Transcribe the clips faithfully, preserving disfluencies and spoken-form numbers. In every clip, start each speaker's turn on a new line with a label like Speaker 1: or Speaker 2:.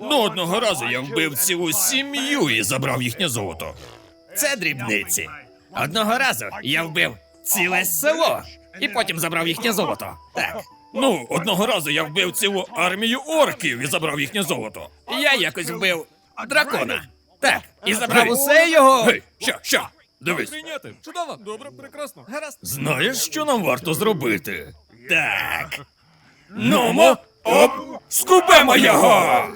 Speaker 1: Ну, одного разу я вбив цілу сім'ю і забрав їхнє золото.
Speaker 2: Це дрібниці. Одного разу я вбив ціле село і потім забрав їхнє золото. Так.
Speaker 1: Ну, одного разу я вбив цілу армію орків і забрав їхнє золото.
Speaker 2: Я якось вбив дракона. Так. І забрав
Speaker 1: Гей.
Speaker 2: усе його.
Speaker 1: Гей, що, що? Дивись.
Speaker 3: Прийняти. Чудово. Добре, прекрасно.
Speaker 2: Гаразд.
Speaker 1: Знаєш, що нам варто зробити?
Speaker 2: Так.
Speaker 1: Нумо, оп, скубемо його!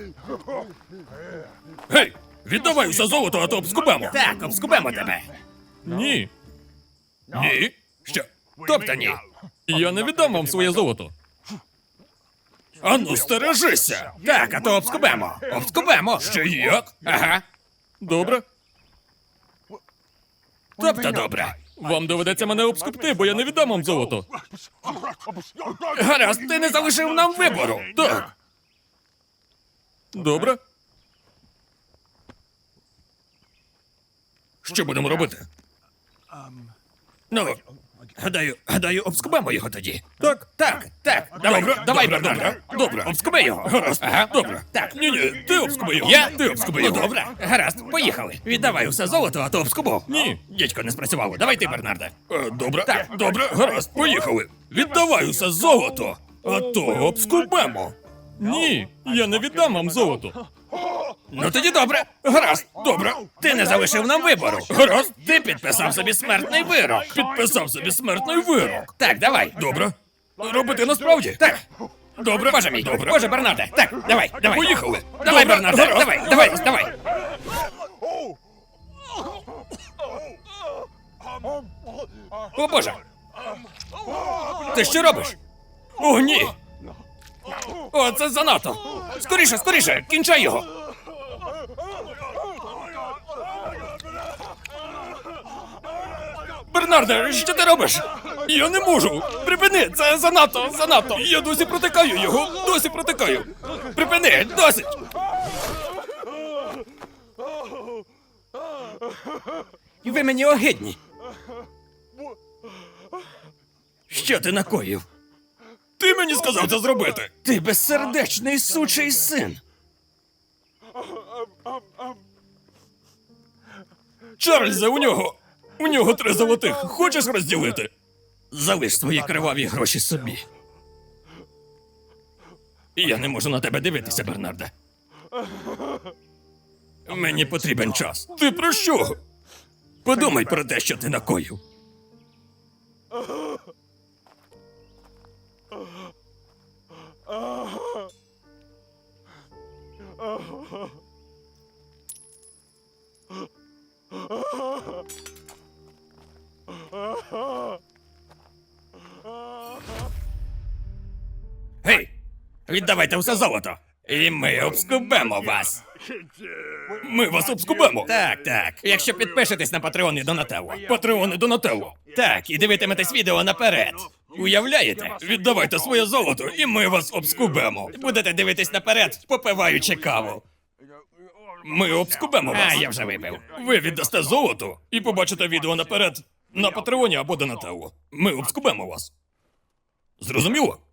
Speaker 1: Гей, віддавай усе золото, а то обскубемо.
Speaker 2: Так, обскубемо тебе.
Speaker 3: Ні.
Speaker 1: Ні? Що?
Speaker 2: Тобто ні.
Speaker 3: Я не віддам вам своє золото.
Speaker 1: Ану, стережися!
Speaker 2: Так, а то обскубемо. Обскубемо.
Speaker 1: Ще як?
Speaker 2: Ага.
Speaker 3: Добре.
Speaker 2: Тобто добре.
Speaker 3: Вам доведеться мене обскупти, бо я не віддам вам золото.
Speaker 2: Гаразд, ти не залишив нам вибору.
Speaker 1: Так.
Speaker 3: Добре.
Speaker 1: Що будемо робити? Ну, гадаю, гадаю, обскубемо його тоді.
Speaker 2: Так, так, так. Давай,
Speaker 1: Добре,
Speaker 2: давай,
Speaker 1: добре,
Speaker 2: Бернарде.
Speaker 1: добре, добре.
Speaker 2: Обскуби його.
Speaker 1: Гаразд,
Speaker 2: Ага.
Speaker 1: добре.
Speaker 2: Так.
Speaker 1: Ні, ні, ти обскуби його.
Speaker 2: Я?
Speaker 1: Ти обскуби
Speaker 2: Ну,
Speaker 1: його.
Speaker 2: добре. Гаразд, поїхали. Віддавай усе золото, а то обскубу.
Speaker 3: Ні.
Speaker 2: Дідько, не спрацювало. Давай ти, Бернарде.
Speaker 1: Е, Добре,
Speaker 2: Так.
Speaker 1: добре, гаразд, поїхали. Віддавай усе золото, а то обскубемо.
Speaker 3: Ні. Я не віддам вам золото.
Speaker 2: Ну тоді добре. Гаразд, добре. Ти не залишив нам вибору.
Speaker 1: Гаразд,
Speaker 2: Ти підписав собі смертний вирок.
Speaker 1: підписав собі смертний вирок.
Speaker 2: Так, давай.
Speaker 1: Добре. Робити насправді?
Speaker 2: Так.
Speaker 1: Добре.
Speaker 2: Боже мій.
Speaker 1: Добре.
Speaker 2: Боже, Бернарде. Так, давай, давай.
Speaker 1: Поїхали.
Speaker 2: Давай,
Speaker 1: Добре,
Speaker 2: Бернарде.
Speaker 1: гаразд.
Speaker 2: Давай, давай, давай. О, Боже. Ти що робиш?
Speaker 1: О, ні.
Speaker 2: О, це занадто. Скоріше, скоріше, кінчай його.
Speaker 1: Бернарде, що ти робиш? Я не можу. Припини, це занадто, занадто. Я досі протикаю його, досі протикаю.
Speaker 2: Припини, досить. Ви мені огидні.
Speaker 1: Що ти накоїв? Ти мені сказав це зробити.
Speaker 2: Ти безсердечний сучий син.
Speaker 1: Чарльзе, у нього. У нього три золотих. Хочеш розділити?
Speaker 2: Залиш свої криваві гроші собі.
Speaker 1: Я не можу на тебе дивитися, Бернарде. Мені потрібен час. Ти про що? Подумай про те, що ти накоїв.
Speaker 2: Гей, віддавайте все золото. І ми обскубемо вас.
Speaker 1: Ми вас обскубемо.
Speaker 2: Так, так. Якщо підпишетесь на Патреон і Донателло.
Speaker 1: Патреони Донателло.
Speaker 2: Так, і дивитиметесь відео наперед. Уявляєте?
Speaker 1: Віддавайте своє золото, і ми вас обскубемо.
Speaker 2: Будете дивитись наперед, попиваючи каву.
Speaker 1: Ми обскубемо вас.
Speaker 2: А, я вже випив.
Speaker 1: Ви віддасте золото і побачите відео наперед на Патреоні або Донателло. Ми обскубемо вас. Зрозуміло?